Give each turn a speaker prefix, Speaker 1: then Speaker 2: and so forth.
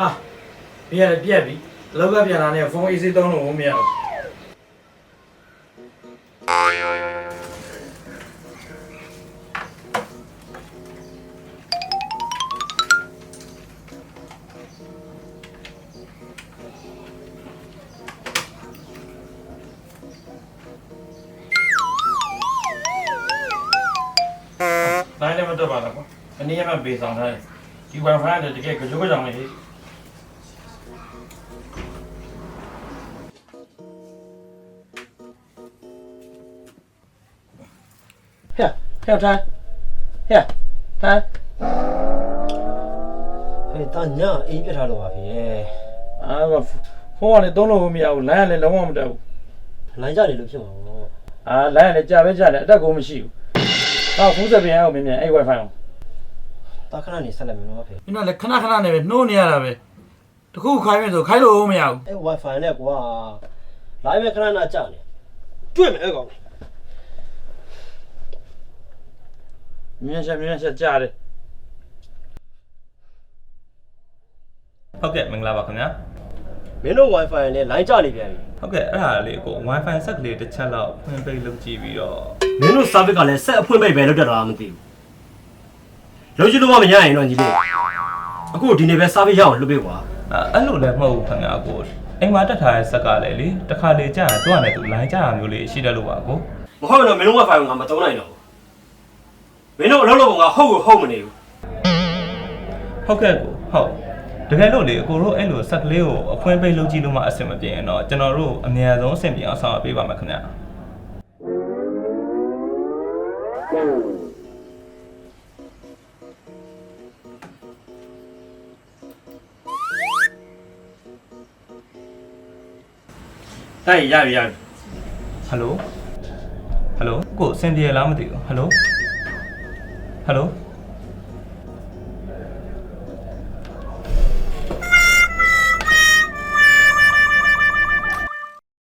Speaker 1: ဟာပြက်ပြီလောက်ကပြန်လာနေဖုန်းအေးစေးသုံးလို့မရဘူးနိုင်လည်းမတက်ပါတော့ကွာအနည်းမှပေးဆောင်ထားတယ်ဒီ Wi-Fi နဲ့တကယ်ကြောကြောင်လေးဟဲ့ထိုင်ဟဲ့တာညအေးပြထားလို့ပါဖေအာဖုန်းကလည်းသုံးလို့မရဘူးလိုင်းကလည်းလုံးဝမတက်ဘူးလိုင်းကြနေလို့ဖြစ်မှာပေါ့အာလိုင်းကလည်းကြာပဲကြာတယ်အတက်ကိုမရှိဘူးဖုန်းစပင်အောင်မြင်အဲ့ Wi-Fi အောင်တာခဏနေဆက်လိုက်မယ်နော်ဖေ။ကျွန်တော်လည်းခဏနဲ့ပဲနှိုးနေရတာပဲ။တခုခိုင်းမယ်ဆိုခိုင်းလို့မရဘူး။အဲ့ Wi-Fi နဲ့ကွာ။ live ပဲခဏကြာနေ။တွေ့မယ်အဲ့ကောင်။မြန်ချက်ကြားတယ်။
Speaker 2: ဟုတ်ကဲ့မင်္ဂလာပါခင်ဗျာ
Speaker 3: မင်းတို့ Wi-Fi နဲ့ line ကျနေပြန်ပြီ
Speaker 2: ။ဟုတ်ကဲ့အဲ့ဒါလေးကို Wi-Fi ဆက်ကလေးတစ်ချက်လောက်ဖွင့်ပိတ်လုပ်ကြည့်ပြီးတော့
Speaker 3: မင်းတို့ service ကလည်းဆက်အဖွင့်ပိတ်ပဲလုပ်တတ်တာမသိဘူး။လုံးချလို့မရရင်တော့ညီလေးအခုဒီနေ့ပဲ service ရအောင်လုပ်ပေးကွာ
Speaker 2: အဲ့လိုလည်းမဟုတ်ဘူးခင်ဗျာကိုအိမ်မှာတက်ထားတဲ့ဆက်ကလည်းလေတစ်ခါလေကြာရင်သူ့အနေနဲ့သူ line ကျတာမျိုးလေးရှိတယ်လို့ပါကို
Speaker 3: မဟုတ်တော့မင်းတို့ Wi-Fi ကမသုံးနိုင်တော့ဘူးမင်းတို့အလုပ်လုပ်ပုံကဟုတ်မနေဘူး
Speaker 2: ဟုတ်ကဲ့ကိုဟုတ်တကယ်လို့လေအကိုတို့အဲ့လိုဆက်ကလေးကိုအဖွင့်ပိတ်လုပ်ကြည့်လို့မှအဆင်မပြေရင်တော့ကျွန်တော်တို့အများဆုံးအဆင်ပြေအောင်ဆောင်ရွက်ပေးပါမယ်ခင်ဗျာ
Speaker 1: တိုက်ရပြီ
Speaker 2: ဟယ်လိုကိုအဆင်ပြေလားမသိဘူးဟယ်လို